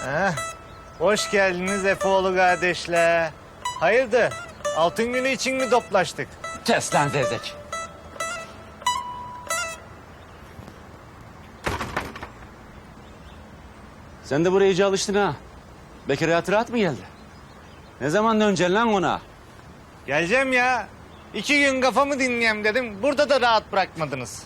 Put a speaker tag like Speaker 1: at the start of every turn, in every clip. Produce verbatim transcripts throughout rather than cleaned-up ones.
Speaker 1: Heh, hoş geldiniz Efeoğlu kardeşler. Hayırdır? Altın günü için mi toplaştık?
Speaker 2: Kes lan zevzek. Sen de buraya iyice alıştın ha. Bekir hayatı rahat mı geldi? Ne zaman döneceksin lan ona?
Speaker 1: Geleceğim ya. İki gün kafamı dinleyeyim dedim. Burada da rahat bırakmadınız.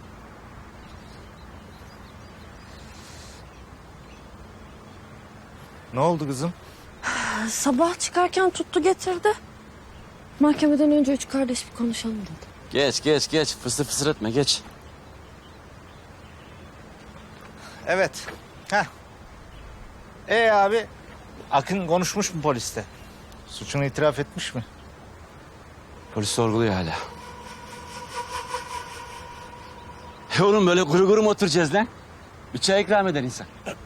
Speaker 1: Ne oldu kızım?
Speaker 3: Sabah çıkarken tuttu getirdi. Mahkemeden önce üç kardeş bir konuşalım dedi.
Speaker 2: Geç geç geç fısır fısır etme geç.
Speaker 1: Evet. Heh. Ee abi, Akın konuşmuş mu poliste? Suçunu itiraf etmiş mi?
Speaker 2: Polis sorguluyor hala. E oğlum böyle kuru kuru mu oturacağız lan? Bir çay ikram eder insan.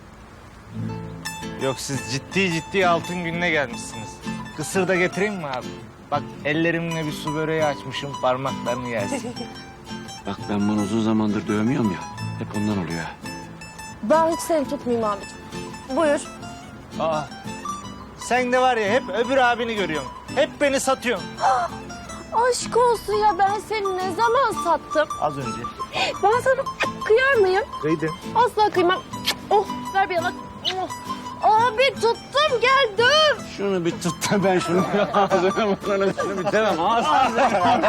Speaker 1: Yok, siz ciddi ciddi altın gününe gelmişsiniz. Kısır da getireyim mi abi? Bak ellerimle bir su böreği açmışım, parmaklarını yersin.
Speaker 2: Bak ben bunu uzun zamandır dövmüyorum ya. Hep ondan oluyor ha.
Speaker 3: Ben hiç seni tutmayayım abicim. Buyur.
Speaker 1: Aa, sen de var ya hep öbür abini görüyorsun. Hep beni satıyorsun.
Speaker 3: Aşk olsun ya, ben seni ne zaman sattım?
Speaker 1: Az önce.
Speaker 3: Ben sana kıyar mıyım?
Speaker 1: Kıydın.
Speaker 3: Asla kıymam. Oh, ver bir yanak. Oh. Abi tuttum, gel döv.
Speaker 2: Şunu bir tut da ben şunu ağzına burnuna şunu bir demem. Ağzına.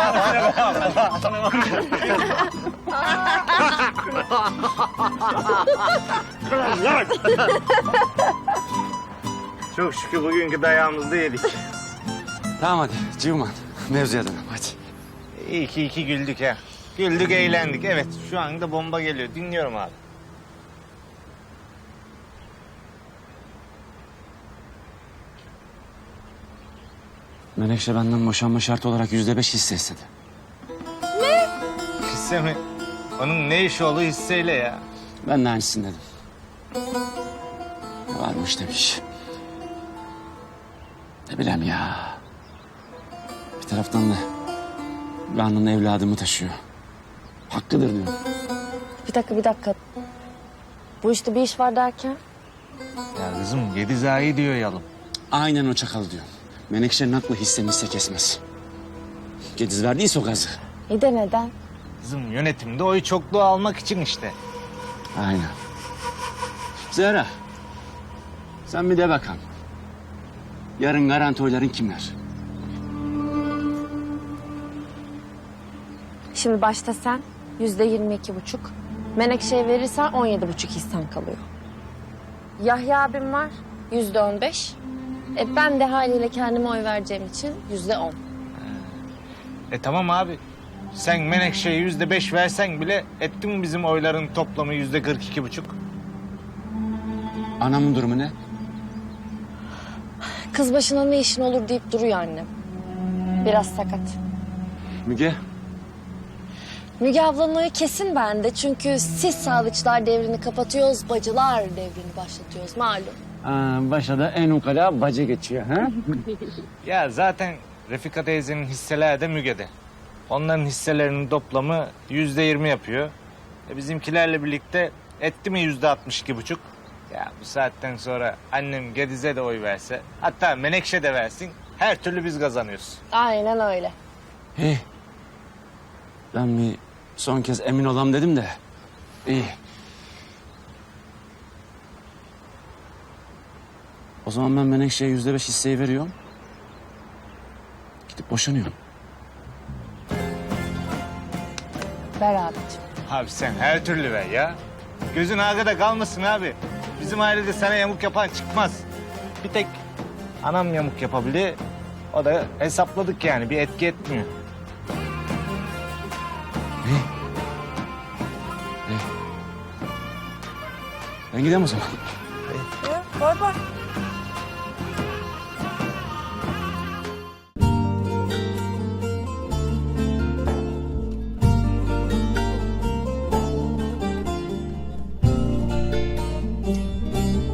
Speaker 1: Çok şükür bugünkü dayağımızda yedik.
Speaker 2: Tamam hadi Civman. Mevzuya dönelim hadi.
Speaker 1: İyi ki iki güldük ha. Güldük, eğlendik. Evet, şu anda bomba geliyor. Dinliyorum abi.
Speaker 2: Menekşe benden boşanma şartı olarak yüzde beş hisse istedi.
Speaker 1: Hisse mi? Onun ne işi olduğu hisseyle ya.
Speaker 2: Ben de aynısını dedim. Varmış demiş. Ne bileyim ya. Bir taraftan da Rana'nın evladımı taşıyor. Hakkıdır diyor.
Speaker 3: Bir dakika, bir dakika. Bu işte bir iş var derken?
Speaker 1: Ya kızım, yedi zayi diyor yalım.
Speaker 2: Aynen o çakal diyor. Menekşe'nin aklı hisse hisse kesmez. Gediz verdiyse o gazı.
Speaker 3: İyi de neden?
Speaker 1: Kızım, yönetimde oy çokluğu almak için işte.
Speaker 2: Aynen. Zehra. Sen bir de bakalım. Yarın garanti oyların kimler?
Speaker 3: Şimdi başta sen yüzde yirmi iki buçuk. Menekşe'ye verirsen on yedi buçuk hissen kalıyor. Yahya abim var yüzde on beş. E ben de haliyle kendime oy vereceğim için yüzde on.
Speaker 1: E tamam abi. Sen Menekşe'ye yüzde beş versen bile etti mi bizim oyların toplamı yüzde kırk iki buçuk?
Speaker 2: Anamın durumu ne?
Speaker 3: Kız başına ne işin olur deyip duruyor annem. Biraz sakat.
Speaker 2: Müge.
Speaker 3: Müge ablanın oyu kesin bende. Çünkü siz sağlıkçılar devrini kapatıyoruz, bacılar devrini başlatıyoruz malum.
Speaker 2: Aa, başa da en ukala bacı geçiyor ha?
Speaker 1: Ya zaten Refika teyzenin hisseleri de Müge'de. Onların hisselerinin toplamı yüzde yirmi yapıyor. E bizimkilerle birlikte etti mi yüzde altmış iki buçuk? Ya bu saatten sonra annem Gediz'e de oy verse, hatta Menekşe de versin, her türlü biz kazanıyoruz.
Speaker 3: Aynen öyle.
Speaker 2: İyi. Ben bir son kez emin olam dedim de. İyi. O zaman ben Menekşe'ye yüzde beş hisseyi veriyorum. Gidip boşanıyorum.
Speaker 3: Ver abicim.
Speaker 1: Abi sen her türlü ver ya. Gözün arkada kalmasın abi. Bizim ailede sana yamuk yapan çıkmaz. Bir tek anam yamuk yapabilir. O da hesapladık yani, bir etki etmiyor.
Speaker 2: Ben gideyim o zaman.
Speaker 3: Bay bay.